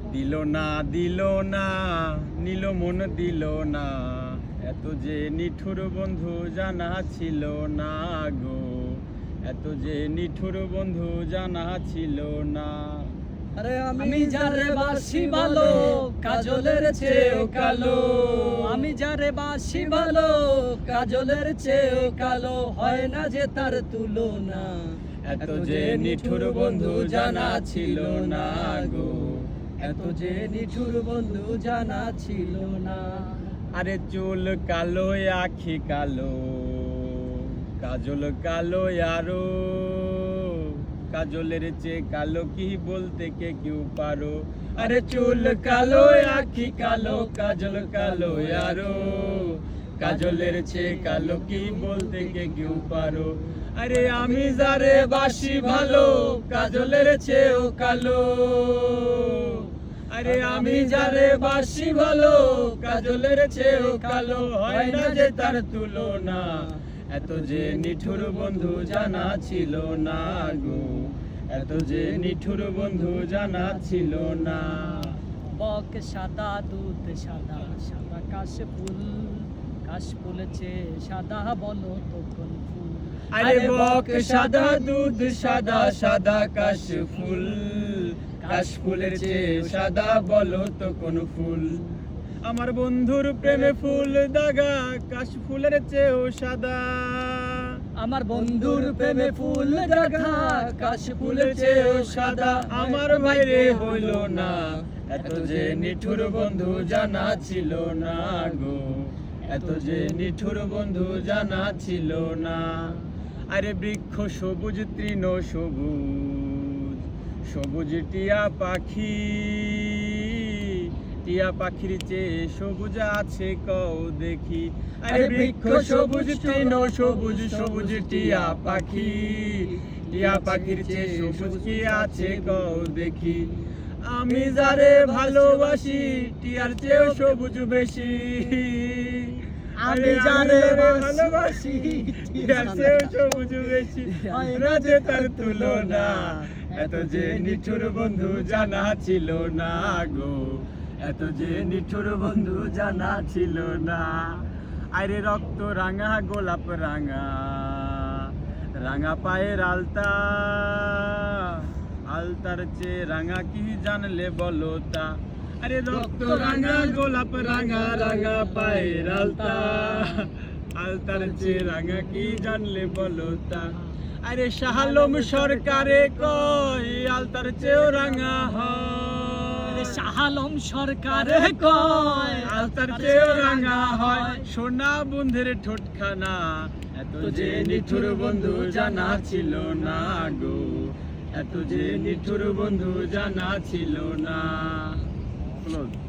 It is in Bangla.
দিল না নিল মন দিল না, এত যে নিঠুর বন্ধু জানা ছিল না গো, এত যে নিঠুর বন্ধু জানা ছিল না। আরে আমি যারে বাসি ভালো কাজলের চেয়েও কালো, আমি যারে বাসি ভালো কাজলের চেয়েও কালো, হয় না যে তার তুলনা, এত যে নিঠুর বন্ধু জানা ছিল না গো, এত যে নিঠুর বন্ধু জানা ছিল না। আরে চুল কালো আখি কালো, কাজল কালো আরো, কাজলের চেয়ে কালো কি বলতে কে কেউ পারো। আরে চুল কালো আখি কালো, কাজল কালো আরো, কাজলের চেয়ে কালো কি বলতে কে কেউ পারো। আরে আমি যারে বাসি ভালো কাজলের চেয়েও কালো, আরে আমি যারে বাসি ভালো কাজলের চেয়েও কালো, হয় না যে তার তুলনা, এত যে নিঠুর বন্ধু জানা ছিল না গো, এত যে নিঠুর বন্ধু জানা ছিল না। বক সাদা দুধ সাদা, সাদা কাশ ফুল, কাশ ফুলেছে সাদা বলো তো কোন ফুল। আরে বক সাদা দুধ সাদা, সাদা কাশ ফুল, কাশ ফুলের চেয়ে সাদা বলো তো কোন ফুল। আমার বন্ধুর প্রেমে ফুল দাগা, কাশ ফুলের চেয়েও সাদা, আমার বন্ধুর প্রেমে ফুল দাগা, কাশ ফুলের চেয়েও সাদা। আমার ভাইরে হইল না, এত যে নিঠুর বন্ধু জানা ছিল না গো, এত যে নিঠুর বন্ধু জানা ছিল না। আরে বৃক্ষ সবুজ তৃণ সবুজ, সবুজ টিয়া পাখি, টিয়া পাখির চেয়ে সবুজ আছে কও দেখি। আরে বৃক্ষ সবুজ তৃণ সবুজ, সবুজ টিয়া পাখি, টিয়া পাখির চেয়ে সবুজ কি আছে কও দেখি। আমি যারে ভালোবাসি টিয়ার চেয়েও সবুজ বেশি, আমি যারে ভালোবাসি টিয়ার চেয়েও সবুজ বেশি, হয় না যে তার তুলনা, এত যে নিঠুর বন্ধু জানা ছিল না গো, এত যে নিঠুর বন্ধু জানা ছিল না। আরে রক্ত রাঙা গোলাপ রাঙা, রাঙা পায়ের আলতা, আলতার চেয়ে রাঙা কি জানলে বলো তা। আরে রক্ত রাঙা গোলাপ রাঙা, রাঙা পায়ের আলতা, আলতার চেয়ে রাঙা কি জানলে বলো তা। আরে শাহ আলম সরকারে কয় আলতার চেয়েও রাঙা হয়, শাহ আলম সরকারে কয় আলতার চেয়েও রাঙা হয়, সোনা বন্ধের ঠোঁটখানা, এত যে নিঠুর বন্ধু জানা ছিল না গো, এত যে নিঠুর বন্ধু জানা ছিল না।